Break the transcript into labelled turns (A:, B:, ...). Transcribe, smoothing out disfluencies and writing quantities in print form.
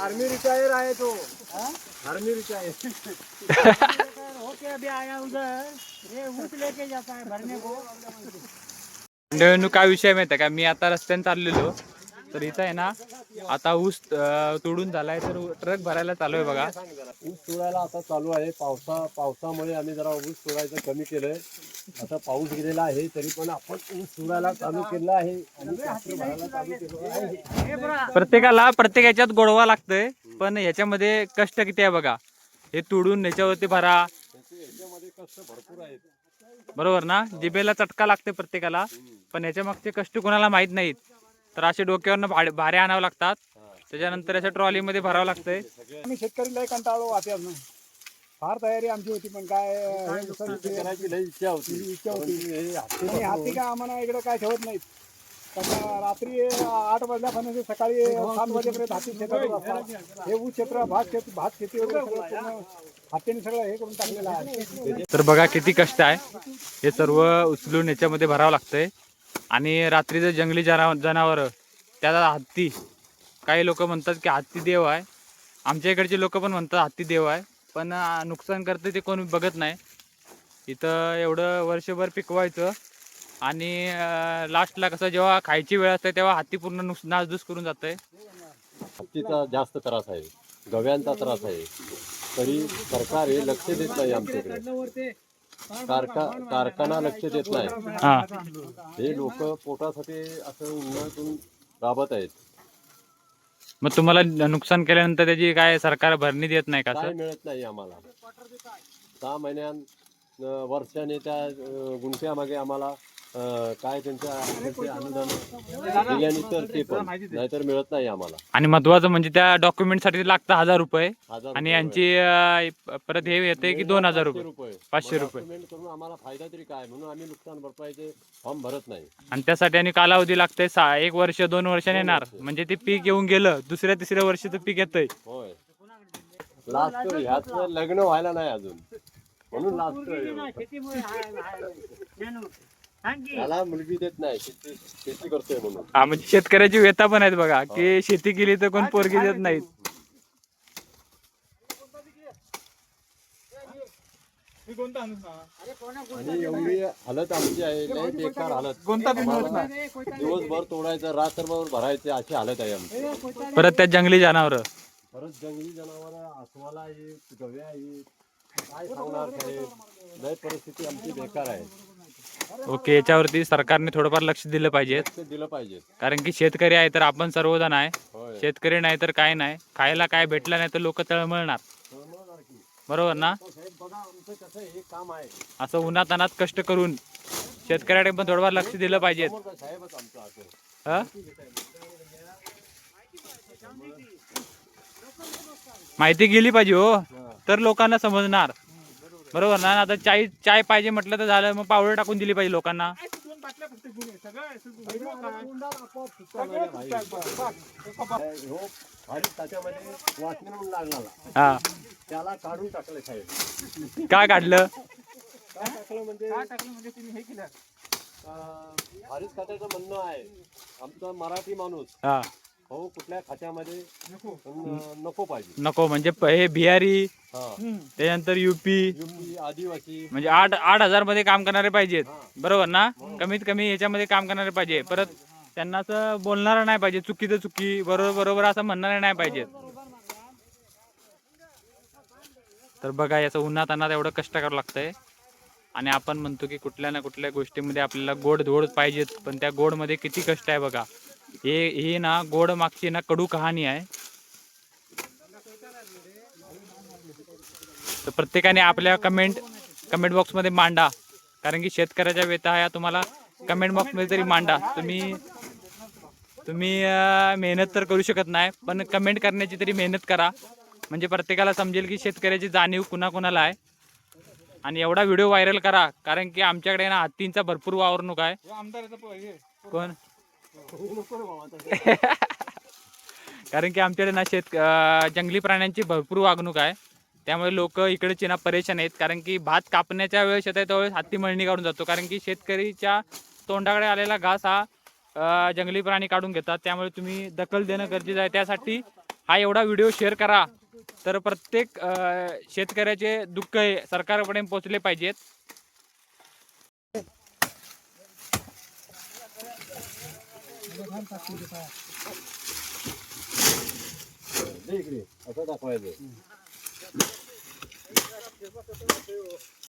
A: Army retire है तो army retire
B: okay अभी आया उधर, ये ऊँट लेके जाता है भरने को।
C: मंडळींनो काय विषय माहिती आहे का, मी आता रस्त्याने चाललेलो तर इथं आहे ना आता ऊस तोडून झालाय तर ट्रक भरायला चालू आहे बघा.
A: ऊस तोडायला आता चालू आहे. पावसामुळे आम्ही जरा ऊस तोडायचं कमी केलंय. आता पाऊस गेलेला आहे तरी पण आपण ऊस तोडायला चालू केलं आहे आणि ट्रॅक्टर भरायला चालू केलं आहे.
C: प्रत्येक ह्याच्यात गोडवा लागतंय, पण ह्याच्यामध्ये कष्ट किती आहे बघा. हे तोडून ह्याच्यावरती भरा,
A: याच्यामध्ये कष्ट भरपूर आहेत.
C: बरोबर ना. जिभेला चटका लागते प्रत्येकाला, पण ह्याच्या मागचे कष्ट कोणाला माहित नाहीत. तर असे डोक्यावरनं भारे आणावं लागतात, त्याच्यानंतर अशा ट्रॉलीमध्ये भरावं लागतंय.
D: आम्ही शेतकरी लय कंटाळलो वाट्यात ना. फार तयारी आमची होती पण काय
A: करायची लई इच्छा होती.
D: आणि हाती काय आम्हाला इकडे काय ठेवत नाहीत. रात्री 8 वाजल्यापासून सकाळी 7 वाजेपर्यंत हाती शेतात असतात. हे ऊस क्षेत्र भात शेती वगैरे सगळं पूर्ण हातीने सगळं हे करून टाकलेलं आहे.
C: तर बघा किती कष्ट आहे. हे सर्व उचलून याच्यामध्ये भरावं लागतंय. आणि रात्रीचं जंगली जनावर, त्याला हत्ती, काही लोक म्हणतात की हत्ती देव आहे. आमच्या इकडचे लोक पण म्हणतात हत्ती देव आहे, पण नुकसान करते ते कोणी बघत नाही. इथं एवढं वर्षभर पिकवायचं आणि लास्टला कसं जेव्हा खायची वेळ असते तेव्हा हत्ती पूर्ण नासधूस करून जातंय.
A: हत्तीचा जास्त त्रास आहे, गव्यांचा त्रास आहे, तरी सरकार हे लक्ष देत नाही. आमच्याकडे कारखाना लक्ष देत नाही.
C: हा,
A: हे लोक पोटासाठी असं उन्हातून राबत आहेत.
C: मग तुम्हाला नुकसान केल्यानंतर त्याची काय सरकार भरणी देत नाही का
A: काय
C: सर?
A: मिळत नाही आम्हाला. 6 महिन्यां वर्षाने त्या गुंठ्यामागे आम्हाला काय त्यांच्या अनुदान दिल्याने तर ते पण नाहीतर मिळत नाही आम्हाला.
C: आणि महत्वाचं म्हणजे त्या डॉक्युमेंटसाठी लागतं 1000 रुपये
A: 1000
C: आणि यांची परत हे येते की 2000 रुपये 500 रुपये.
A: पेमेंट करून आम्हाला फायदा तरी काय, म्हणून आम्ही नुकसान भरपाईचे फॉर्म भरत नाही.
C: आणि त्यासाठी आणि कालावधी लागते 1 वर्ष 2 वर्षाने येणार. म्हणजे ते पीक येऊन गेलं, दुसऱ्या तिसऱ्या वर्षीचं पीक येतंय.
A: होय, लास्ट ह्याच लग्न व्हायला नाही अजून, म्हणून लास्ट त्याला मुलगी देत नाही. शेती करतोय म्हणून.
C: हा, म्हणजे शेतकऱ्याची व्यथा पण आहेत बघा की शेती केली तर कोण पोरगी देत नाहीत.
A: आणि एवढी हालत आमची आहे, लय बेकार हालत. आम्हाला दिवसभर तोडायचं, रात्रभर भरायचं, अशी हालत आहे आमची.
C: परत त्या जंगली जनावर,
A: परत जंगली जनावर अस्वला आहेत, गव्या आहेत, काय सांगणार साहेब. लय परिस्थिती आमची बेकार आहे.
C: ओके, याच्यावरती सरकारने थोडंफार लक्ष दिलं पाहिजे.
A: लक्ष दिलं पाहिजे.
C: कारण की शेतकरी आहे तर आपण सर्वजण आहे.
A: होय,
C: शेतकरी नाही तर काय नाही, खायला काय भेटलं नाही तर लोक तळमळणार.
A: तळमळणार की.
C: बरोबर ना.
A: साहेब बघा, आमचं कसं हे काम आहे.
C: असं उन्हातानात कष्ट करून शेतकऱ्याकडे पण थोडंफार लक्ष दिलं पाहिजे.
A: समोर साहेबच आमचं असं.
C: हा? माहिती गेली पाहिजे हो, तर लोकांना समजणार. बरोबर ना. आता चाय पाहिजे म्हटलं तर झालं, मग पावडर टाकून दिली पाहिजे लोकांना.
A: हो, भारी त्याच्यामध्ये वाटणी म्हणून लागला,
C: हा,
A: त्याला काढून टाकलं साहेब.
C: काय काढलं?
A: काय टाकलं म्हणजे तुम्ही हे केलं. भारीच खात्याचं म्हणणं आहे आमचा मराठी माणूस,
C: हा,
A: हो कुठल्या खात्यामध्ये नको पाहिजे.
C: नको म्हणजे हे बिहारी,
A: हा,
C: त्याच्यानंतर युपी,
A: आदिवासी
C: म्हणजे 8,000 मध्ये काम करणारे पाहिजेत. बरोबर ना. कमीत कमी याच्यामध्ये काम करणारे पाहिजे. परत त्यांना असं बोलणारं नाही पाहिजे, चुकीचं चुकी, बरोबर बरोबर असं म्हणणारे नाही पाहिजेत. तर बघा, याचं उन्हातान्हात एवढं कष्ट करावं लागतंय. आणि आपण म्हणतो की कुठल्या ना कुठल्या गोष्टीमध्ये आपल्याला गोड धोड पाहिजेत, पण त्या गोडमध्ये किती कष्ट आहे बघा. ही ना गोड मागची ना कडू कहाणी आहे. तर प्रत्येकाने आपल्या कमेंट बॉक्समध्ये मांडा, कारण की शेतकऱ्याच्या व्यथा ह्या तुम्हाला कमेंट बॉक्समध्ये तरी मांडा. तुम्ही मेहनत तर करू शकत नाही, पण कमेंट करण्याची तरी मेहनत करा, म्हणजे प्रत्येकाला समजेल की शेतकऱ्याची जाणीव कुणाकुणाला आहे. आणि एवढा व्हिडिओ व्हायरल करा, कारण की आमच्याकडे ना हत्तींचा भरपूर वावरणूक आहे. कोण? कारण की आमच्याकडे ना जंगली प्राण्यांची भरपूर वागणूक आहे. त्यामुळे लोक इकडचे ना परेशान आहेत, कारण की भात कापण्याच्या वेळेस येत आहे त्यावेळेस हत्ती मळणी काढून जातो. कारण की शेतकरीच्या तोंडाकडे आलेला घास हा जंगली प्राणी काढून घेतात. त्यामुळे तुम्ही दखल देणं गरजेचं आहे. त्यासाठी हा एवढा व्हिडिओ शेअर करा, तर प्रत्येक शेतकऱ्याचे दुःख हे सरकारपर्यंत पोहोचले पाहिजेत.
A: इकडे असं दाखवायचं.